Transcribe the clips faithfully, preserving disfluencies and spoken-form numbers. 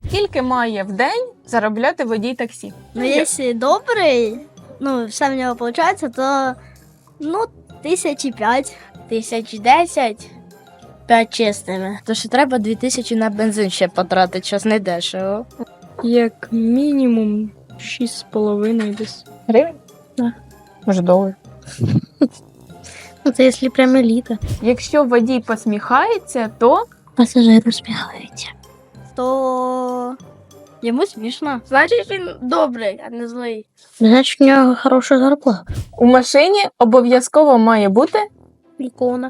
Скільки має в день заробляти водій таксі? Ну, якщо добрий, ну, все в нього виходить, то, ну, тисячі п'ять. Тисяч десять, п'ять чистими. То що треба дві тисячі на бензин ще потратити, щось не дешево. Як мінімум шість з половиною десь. Гривень? Да. Може, долар. Ну, це якщо прямо еліта. Якщо водій посміхається, то Пасажир усміхається. То йому смішно. Значить, він добрий, а не злий. Значить, у нього хороша зарплата. у машині обов'язково має бути Ікона.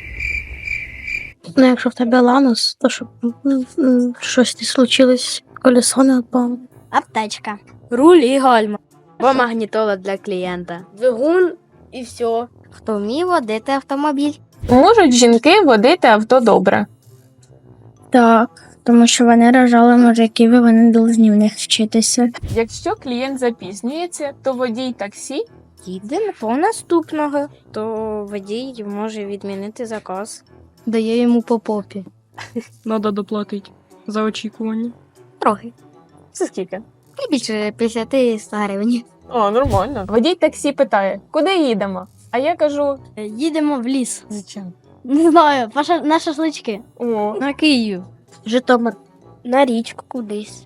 Ну, якщо в тебе ланос, то щоб м, м, щось не случилось, колесо не впало. Аптечка. Руль і гальма. Бо магнітола для клієнта. Двигун і все. Хто вміє водити автомобіль? можуть жінки водити авто добре. Так, тому що вони рожали мужиків і вони повинні в них вчитися. Якщо клієнт запізнюється, то водій таксі Їдемо по наступного, то водій може відмінити заказ. Дає йому по попі. Надо доплатити за очікування. Трохи. це скільки? Не більше п'ятдесят сто гривень. О, нормально. Водій таксі питає, куди їдемо? А я кажу, Їдемо в ліс. зачем? Не знаю, паша- на шашлички. О, На Київ. Житомир. На річку кудись.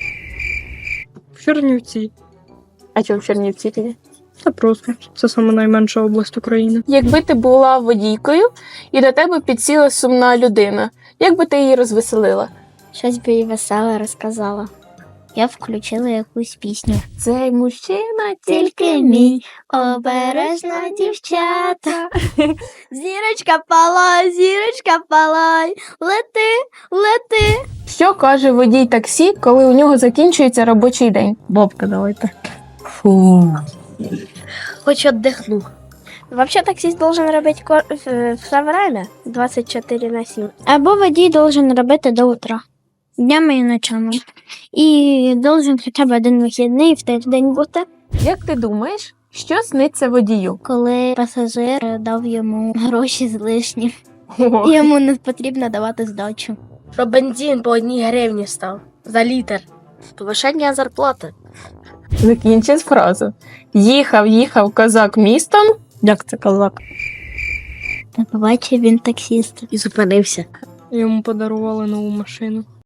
В Чернівці. а чого в Чернівці тоді? Це просто. Це саме найменша область України. Якби ти була водійкою і до тебе підсіла сумна людина, як би ти її розвеселила? Щось би їй веселе розказала. Я включила якусь пісню. Цей мужчина Тільки мій, обережна дівчата. Зірочка палай, зірочка палай, лети, лети. Що каже водій таксі, коли у нього закінчується робочий день? Бобка давайте. Фу. Хоч віддихну. Вообще таксист должен робити ко- в- все время двадцять чотири на сім. Або водій должен робити до утра. Днями і ночами. І должен хоча б один вихідний в тиждень бути. Як ти думаєш, що сниться водію? Коли пасажир дав йому гроші злишні, О, йому не потрібно давати здачу. Що бензин по одній гривні став за літр. Повишення зарплати. закінчи фразу. Їхав, їхав козак містом. Як це козак? Та побачив він таксіста. І зупинився. Йому подарували нову машину.